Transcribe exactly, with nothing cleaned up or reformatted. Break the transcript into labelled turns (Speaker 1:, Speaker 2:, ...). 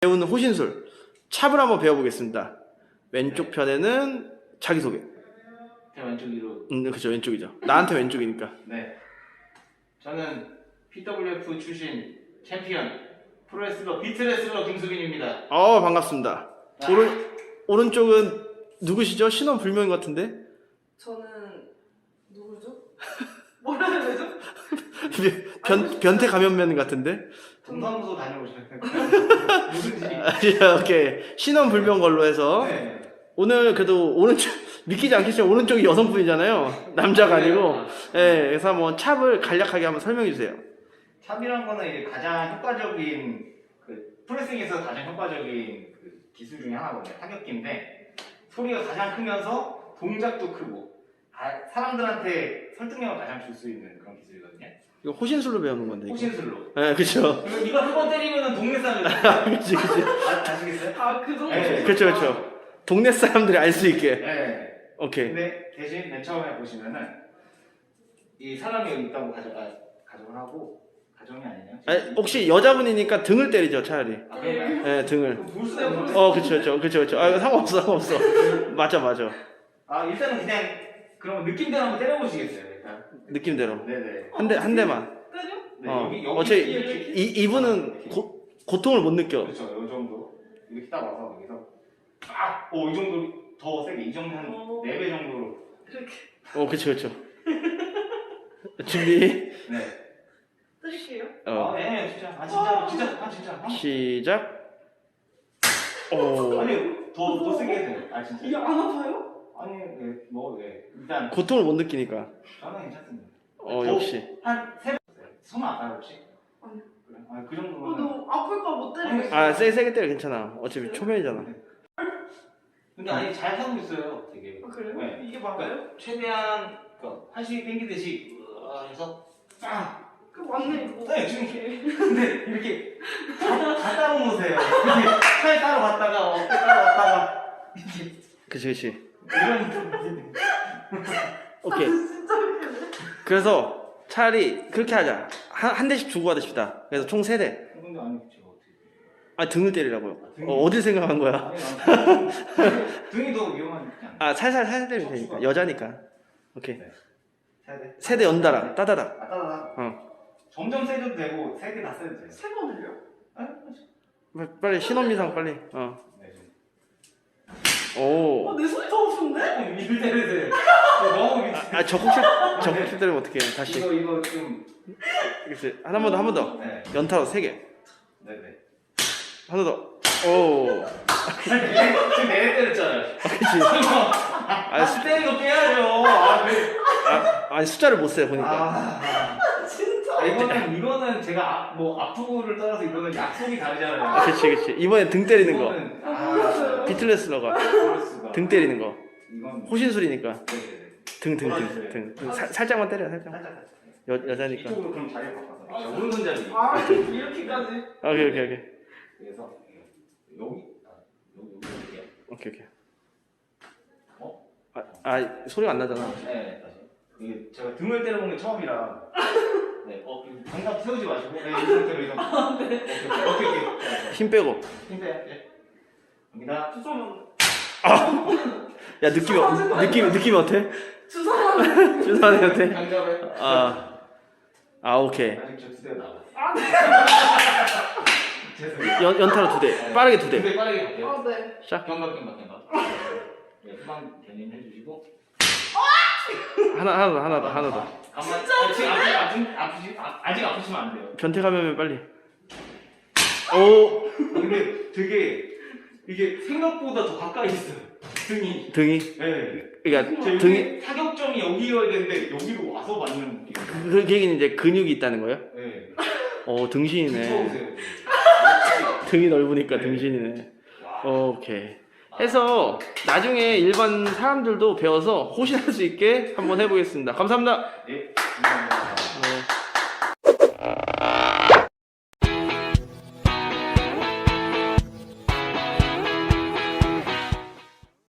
Speaker 1: 배우는 호신술 찹을 한번 배워보겠습니다. 왼쪽 편에는 자기소개.
Speaker 2: 제 왼쪽으로.
Speaker 1: 음, 그쵸, 왼쪽이죠. 나한테 왼쪽이니까.
Speaker 2: 네. 저는 피더블유에프 출신 챔피언 프로레슬러 비트레슬러 김수빈입니다.
Speaker 1: 어, 반갑습니다.
Speaker 2: 아.
Speaker 1: 오른 오른쪽은 누구시죠? 신원 불명인 것 같은데.
Speaker 3: 저는 누구죠? 뭐라 해야 되죠?
Speaker 1: 변 변태 감염면 같은데.
Speaker 2: 동사무소 다녀오셨나요? 누군지.
Speaker 1: 아, 오케이. 신원 불명 걸로 해서
Speaker 2: 네.
Speaker 1: 오늘 그래도 오른쪽 믿기지 않겠지만 오른쪽이 여성분이잖아요. 남자가 아니고. 예, 그래서 한번 찹을 간략하게 한번 설명해 주세요.
Speaker 2: 찹이란 거는 이제 가장 효과적인 그 프레싱에서 가장 효과적인 그 기술 중에 하나거든요. 타격기인데 소리가 가장 크면서 동작도 크고 아, 사람들한테 설득력을 가장 줄 수 있는 그런 기술이거든요.
Speaker 1: 이거 호신술로 배우는 건데. 이거.
Speaker 2: 호신술로.
Speaker 1: 예, 그렇죠.
Speaker 2: 이거, 이거 한 번 때리면은 동네 사람들
Speaker 1: 그렇지, 그렇지.
Speaker 2: 아, 아시겠어요?
Speaker 3: 아, 그 정도?
Speaker 2: 네.
Speaker 1: 그렇죠, 그렇죠. 동네 사람들이 알 수 있게.
Speaker 2: 네.
Speaker 1: 오케이.
Speaker 2: 근데 대신 맨 처음에 보시면은 이 사람이 여기 있다고 가정, 아, 가정을 하고 가정이 아니냐?
Speaker 1: 아니, 혹시 여자분이니까 등을 때리죠, 차라리.
Speaker 2: 아, 그런가요?
Speaker 1: 예, 등을.
Speaker 2: 볼 수가 없는
Speaker 1: 어, 그쵸, 그쵸, 그쵸, 그쵸. 아, 이거 상관없어, 상관없어. 맞아, 맞아.
Speaker 2: 아, 일단은 그냥 그럼 느낌대로 한번 때려보시겠어요? 일단.
Speaker 1: 느낌대로.
Speaker 2: 네네.
Speaker 1: 한 대, 한 대만.
Speaker 3: 때려?
Speaker 2: 네,
Speaker 1: 어.
Speaker 2: 여기, 여기
Speaker 1: 어차피
Speaker 2: 이렇게,
Speaker 1: 이, 이분은 고, 고통을 못 느껴.
Speaker 2: 그렇죠. 이 정도. 이렇게 딱 와서 여기서 아! 오, 이 정도 더 세게. 이 정도 한
Speaker 3: 어.
Speaker 2: 네 배 정도로.
Speaker 3: 이렇게
Speaker 1: 어, 그쵸, 그쵸. 준비.
Speaker 2: 네.
Speaker 3: 때릴게요.
Speaker 1: 어,
Speaker 2: 아, 네, 진짜. 아, 진짜. 진짜. 아, 진짜. 아.
Speaker 1: 시작. 오.
Speaker 2: 아니, 더, 더 세게 해도 돼요. 아, 진짜.
Speaker 3: 이게 안 아파요?
Speaker 2: 아니, 네, 뭐, 네. 일단
Speaker 1: 고통을 못 느끼니까.
Speaker 2: 저는 괜찮습니다.
Speaker 1: 어,
Speaker 2: 더,
Speaker 1: 역시.
Speaker 2: 한세 번. 손 아파요 혹시?
Speaker 3: 아니요.
Speaker 2: 그래? 아, 그
Speaker 3: 어,
Speaker 2: 정도면.
Speaker 3: 너 아플까 못 때리겠어.
Speaker 1: 아, 세게, 세게 때려 괜찮아. 어차피 초면이잖아.
Speaker 2: 근데 아니 잘 하고 있어요, 되게.
Speaker 3: 아, 그래요?
Speaker 2: 네.
Speaker 3: 이게 맞아요?
Speaker 2: 그러니까 최대한 그러니까 한식이 땡기듯이 으아 해서 쫙.
Speaker 3: 그 맞네, 이거.
Speaker 2: 네, 지금 근데 이렇게 다, 다 따로 놓으세요. 이렇게 팔 따로 갔다가 어깨 따로 갔다가 이렇게
Speaker 1: 그치, 그치.
Speaker 2: 이런.
Speaker 1: 오케이.
Speaker 3: 진짜 웃기네.
Speaker 1: 그래서 차라리 그렇게 하자. 한, 한 대씩 주고 받읍시다. 그래서 총 세 대.
Speaker 2: 근데 아니 제가 어떻게?
Speaker 1: 아, 등을 때리라고요.
Speaker 2: 아, 등이-
Speaker 1: 어, 어딜 생각한 거야?
Speaker 2: 아니, 난 등이 더 위험하지 않나?
Speaker 1: 아, 살살, 살살 때리면 되니까. 여자니까. 오케이.
Speaker 2: 네. 세 대.
Speaker 1: 세 대 연달아. 따다닥.
Speaker 2: 아, 따다다.
Speaker 1: 어.
Speaker 2: 점점 세도 되고 세 개 다 세도 돼요.
Speaker 3: 세 번을요?
Speaker 2: 아,
Speaker 1: 빨리 신혼미상 빨리. 어.
Speaker 2: 네, 좀.
Speaker 1: 오.
Speaker 3: 어, 내 손이 더 아픈데?
Speaker 2: 밀 때리세요. 너무 미치.
Speaker 1: 아, 적국실, 적국실 때리면 어떡해. 다시.
Speaker 2: 이거 이거 좀.
Speaker 1: 그치. 한 번 더, 한 번 더.
Speaker 2: 네.
Speaker 1: 연타로 세 개.
Speaker 2: 네네.
Speaker 1: 하나 더. 오.
Speaker 2: 지금 내내 때렸잖아요.
Speaker 1: 그치.
Speaker 2: 아, 수 때린 거 빼야죠. 아, 왜?
Speaker 1: 아, 아니, 숫자를 못 세요, 보니까.
Speaker 2: 아,
Speaker 3: 진짜.
Speaker 2: 아, 이거는 이거는 제가 아, 뭐 아프고를 떠나서 이거는 약속이 다르잖아요.
Speaker 1: 그치, 그치. 이번엔 등 때리는 거.
Speaker 2: 이거는-
Speaker 3: 아,
Speaker 1: 비틀레슬러가.
Speaker 2: 그럴 수가.
Speaker 1: 등 때리는 거.
Speaker 2: 이건
Speaker 1: 호신술이니까.
Speaker 2: 네네네.
Speaker 1: 등, 등, 등. 등. 등. 사, 살짝만 때려, 살짝.
Speaker 2: 살짝 살짝.
Speaker 1: 여, 여자니까.
Speaker 2: 이쪽으로 그럼 자리 바꿔서. 자, 오른손잡이.
Speaker 3: 아, 이렇게까지.
Speaker 1: 오케이, 오케이, 오케이.
Speaker 2: 그래서 여기 아, 여기 여기 여기.
Speaker 1: 오케이, 오케이.
Speaker 2: 어?
Speaker 1: 아, 아, 소리가 안 나잖아.
Speaker 2: 네, 다시. 이게 제가 등을 때려본 게 처음이라. 네, 어, 장갑 세우지 마시고, 네, 이 상태로 이상. 아, 네. 오케이, 오케이, 오케이. 오케이.
Speaker 1: 힘 빼고.
Speaker 2: 힘 빼요, 네. 갑니다.
Speaker 3: 주사만.
Speaker 1: 야, 느낌이, 어- 느낌이, 느낌이 어때?
Speaker 3: 주사만.
Speaker 1: 주사님 어때?
Speaker 2: 장갑에.
Speaker 1: 아, 아, 오케이.
Speaker 2: 아직 저 두 대 남았어요.
Speaker 3: 아, 네.
Speaker 2: 죄송해요.
Speaker 1: 연, 연타로 두 대. 빠르게 두 대.
Speaker 2: 두대 빠르게 갈게요.
Speaker 3: 아, 네.
Speaker 1: 자,
Speaker 2: 경각, 경각, 경각. 네, 후방 견인 해주시고.
Speaker 1: 하나, 하나 더, 하나 더, 하나 더.
Speaker 2: 가만. 아, 지금 아프, 아프, 아프시, 아, 아직 아프시면 안 돼요.
Speaker 1: 변태 감염면 빨리. 오,
Speaker 2: 아, 근데 되게 이게 생각보다 더 가까이 있어요. 등이.
Speaker 1: 등이.
Speaker 2: 네.
Speaker 1: 그러니까
Speaker 2: 제
Speaker 1: 등이,
Speaker 2: 여기 타격점이 여기여야 되는데 여기로 와서 맞는 느낌.
Speaker 1: 그, 그 얘기는 이제 근육이 있다는 거예요?
Speaker 2: 네.
Speaker 1: 어, 등신이네.
Speaker 2: 붙여오세요.
Speaker 1: 등이 넓으니까
Speaker 2: 네.
Speaker 1: 등신이네.
Speaker 2: 와.
Speaker 1: 오케이. 해서 나중에 일반 사람들도 배워서 호신할 수 있게 한번 해보겠습니다. 감사합니다.
Speaker 2: 네. 감사합니다.
Speaker 1: 네.